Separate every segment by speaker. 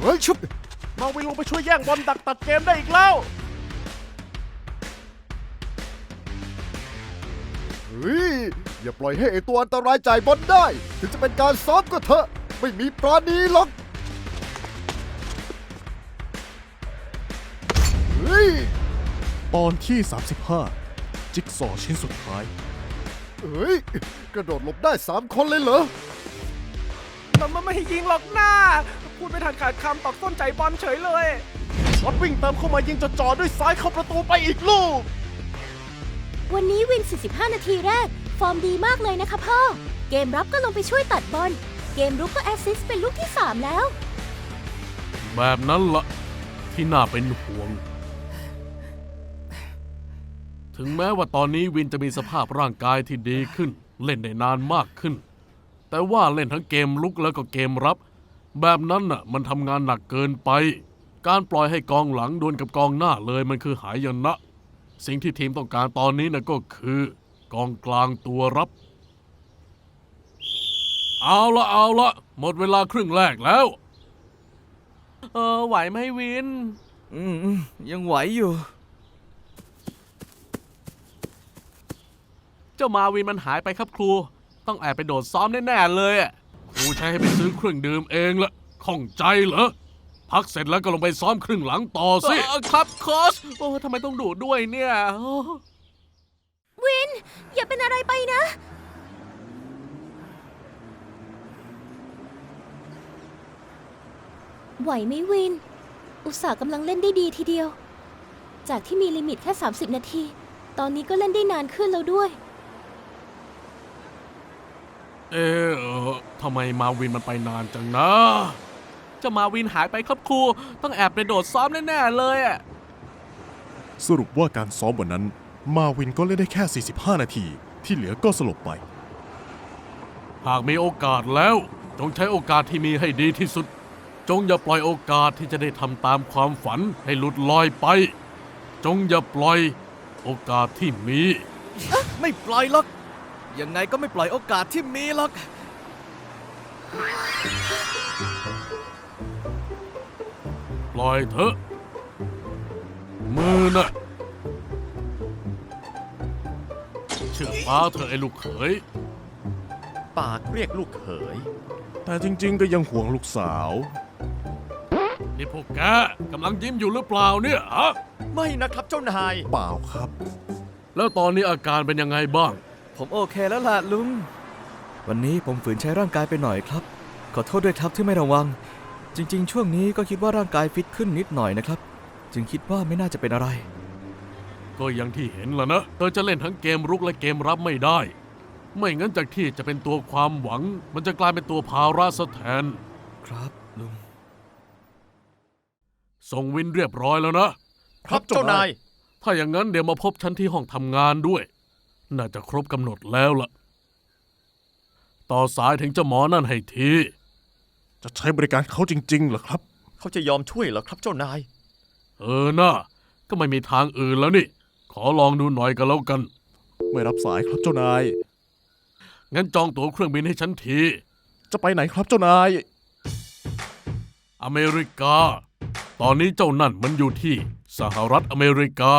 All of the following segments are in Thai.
Speaker 1: ฮ้ยชุบ
Speaker 2: มาวินลงไปช่วยแย่งบอลดักตัดเกมได้อีกแล้ว
Speaker 1: เฮ้ยอย่าปล่อยให้ไอตัวอันตรายจ่ายบอลได้ถึงจะเป็นการซ้อมก็เถอะไม่มีปราณีหรอกเฮ้ย
Speaker 3: ตอนที่ 35 จิ๊กซอว์ชิ้นสุดท้าย
Speaker 1: เฮ้ยกระโดดหลบได้3 คนเลยเหรอ
Speaker 2: มันไม่ให้ยิงหรอกหน้าพูดไม่ทันขาดคำตอกต้นใจบอลเฉยเลยรถวิ่งเติมเข้ามายิงจ่อๆด้วยซ้ายเข้าประตูไปอีกลูก
Speaker 4: วันนี้วิน 45 นาทีแรกฟอร์มดีมากเลยนะคะพ่อเกมรับก็ลงไปช่วยตัดบอลเกมรุกก็แอสซิสต์เป็นลูกที่ 3 แล้ว
Speaker 5: แบบนั้นละที่น่าเป็นห่วงถึงแม้ว่าตอนนี้วินจะมีสภาพร่างกายที่ดีขึ้นเล่นได้นานมากขึ้นแต่ว่าเล่นทั้งเกมลุกแล้วก็เกมรับแบบนั้นน่ะมันทำงานหนักเกินไปการปล่อยให้กองหลังดวลกับกองหน้าเลยมันคือหายนะสิ่งที่ทีมต้องการตอนนี้น่ะก็คือกองกลางตัวรับเอาละหมดเวลาครึ่งแรกแล้วไหวไหมวิน
Speaker 6: ยังไหวอยู่
Speaker 5: เจ้ามาวินมันหายไปครับครูต้องแอบไปโดดซ้อมแน่ๆเลยครูใช้ให้ไปซื้อเครื่องดื่มเองละข้องใจเหรอพักเสร็จแล้วก็ลงไปซ้อมครึ่งหลังต่อสิครับโค้ชโอ้ทำไมต้องดูด้วยเนี่ย
Speaker 4: วินอย่าเป็นอะไรไปนะไหวไหมวินอุตส่าห์กำลังเล่นได้ดีทีเดียวจากที่มีลิมิตแค่30 นาทีตอนนี้ก็เล่นได้นานขึ้นแล้วด้วย
Speaker 5: ทำไมมาวินมันไปนานจังนะเจ้ามาวินหายไปครับครูต้องแอบไปโดดซ้อมแน่ๆเลย
Speaker 3: สรุปว่าการซ้อมวันนั้นมาวินก็เล่นได้แค่ 45 นาทีที่เหลือก็สลบไป
Speaker 5: หากมีโอกาสแล้วจงใช้โอกาสที่มีให้ดีที่สุดจงอย่าปล่อยโอกาสที่จะได้ทำตามความฝันให้หลุดลอยไปจงอย่าปล่อยโอกาสที่มี
Speaker 6: ไม่ปล่อยหรอกยังไงก็ไม่ปล่อยโอกาสที่มีหรอก
Speaker 5: ปล่อยเถอะมือน่ะเชื่อฟ้าเธอไอ้ลูกเขย
Speaker 7: ปากเรียกลูกเขย
Speaker 3: แต่จริงๆก็ยังห่วงลูกสาว
Speaker 5: นี่พวกแกกำลังยิ้มอยู่หรือเปล่าเนี่ยฮะ
Speaker 7: ไม่นะครับเจ้านาย
Speaker 3: เปล่าครับ
Speaker 5: แล้วตอนนี้อาการเป็นยังไงบ้าง
Speaker 6: ผมโอเคแล้วล่ะลุงวันนี้ผมฝืนใช้ร่างกายไปหน่อยครับขอโทษด้วยครับที่ไม่ระวังจริงๆช่วงนี้ก็คิดว่าร่างกายฟิตขึ้นนิดหน่อยนะครับจึงคิดว่าไม่น่าจะเป็นอะไร
Speaker 5: ก็อย่างที่เห็นล่ะนะเธอจะเล่นทั้งเกมรุกและเกมรับไม่ได้ไม่งั้นจากที่จะเป็นตัวความหวังมันจะกลายเป็นตัวภาระซะแทน
Speaker 6: ครับลุง
Speaker 5: ส่งวินเรียบร้อยแล้วนะครับ
Speaker 7: เจ้านาย
Speaker 5: ถ้าอย่างนั้นเดี๋ยวมาพบฉันที่ห้องทำงานด้วยน่าจะครบกำหนดแล้วล่ะต่อสายถึงเจ้าหมอนั่นให้ที
Speaker 3: จะใช้บริการเขาจริงๆเหรอครับ
Speaker 7: เขาจะยอมช่วยเหรอครับเจ้านาย
Speaker 5: น่ะก็ไม่มีทางอื่นแล้วนี่ขอลองดูหน่อยกันแล้วกัน
Speaker 3: ไม่รับสายครับเจ้านาย
Speaker 5: งั้นจองตั๋วเครื่องบินให้ฉันที
Speaker 3: จะไปไหนครับเจ้านาย
Speaker 5: อเมริกาตอนนี้เจ้านั่นมันอยู่ที่สหรัฐอเมริกา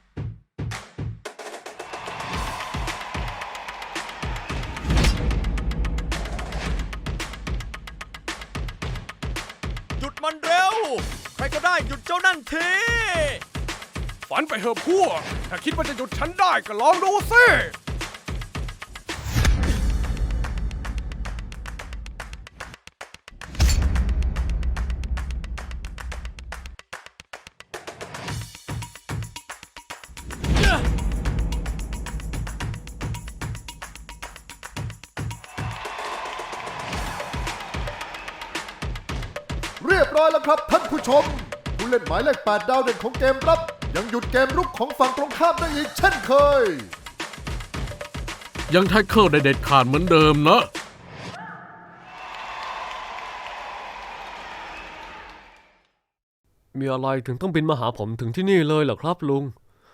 Speaker 7: หยุดมันเร็วใครก็ได้หยุดเจ้านั่นที
Speaker 2: ฝันไปเถอะพวกถ้าคิดว่าจะหยุดฉันได้ก็ลองดูสิ
Speaker 1: เรียบร้อยแล้วครับท่านผู้ชมผู้เล่นหมายเลข8ดาวเด่นของเกมรับยังหยุดเกมรุกของฝั่งตรงข้ามได้อีกเช่นเคย
Speaker 5: ยังแท็กเกิลได้เด็ดขาดเหมือนเดิมนะ
Speaker 8: มีอะไรถึงต้องบินมาหาผมถึงที่นี่เลยเหรอครับลุง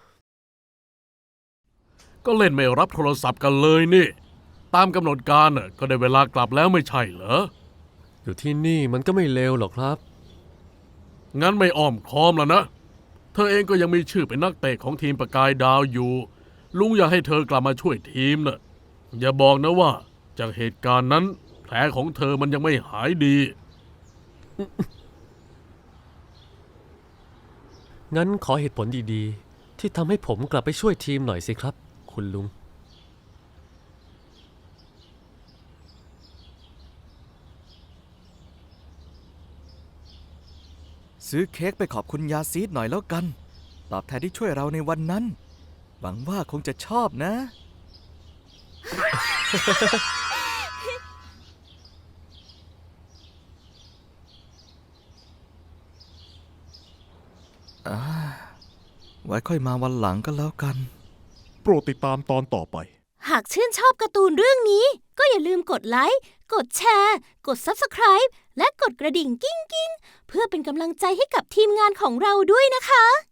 Speaker 5: ก็เล่นไม่รับโทรศัพท์กันเลยนี่ตามกำหนดการก็ได้เวลากลับแล้วไม่ใช่เหรอ
Speaker 8: อยู่ที่นี่มันก็ไม่เลวหรอกครับ
Speaker 5: งั้นไม่อ้อมค้อมแล้วนะ เธอเองก็ยังมีชื่อเป็นนักเตะของทีมประกายดาวอยู่ ลุงอยากให้เธอกลับมาช่วยทีมนะอย่าบอกนะว่าจากเหตุการณ์นั้นแผลของเธอมันยังไม่หายดี
Speaker 8: งั้นขอเหตุผลดีๆ ที่ทำให้ผมกลับไปช่วยทีมหน่อยสิครับ คุณลุง
Speaker 6: ซื้อเค้กไปขอบคุณยาซีดหน่อยแล้วกัน ตอบแทนที่ช่วยเราในวันนั้น หวังว่าคงจะชอบนะ ไว้ค่อยมาวันหลังก็แล้วกัน
Speaker 3: โปรดติดตามตอนต่อไป
Speaker 4: หากชื่นชอบการ์ตูนเรื่องนี้ ก็อย่าลืมกดไลค์ กดแชร์ กด Subscribe และกดกระดิ่งกิ้งๆ เพื่อเป็นกำลังใจให้กับทีมงานของเราด้วยนะคะ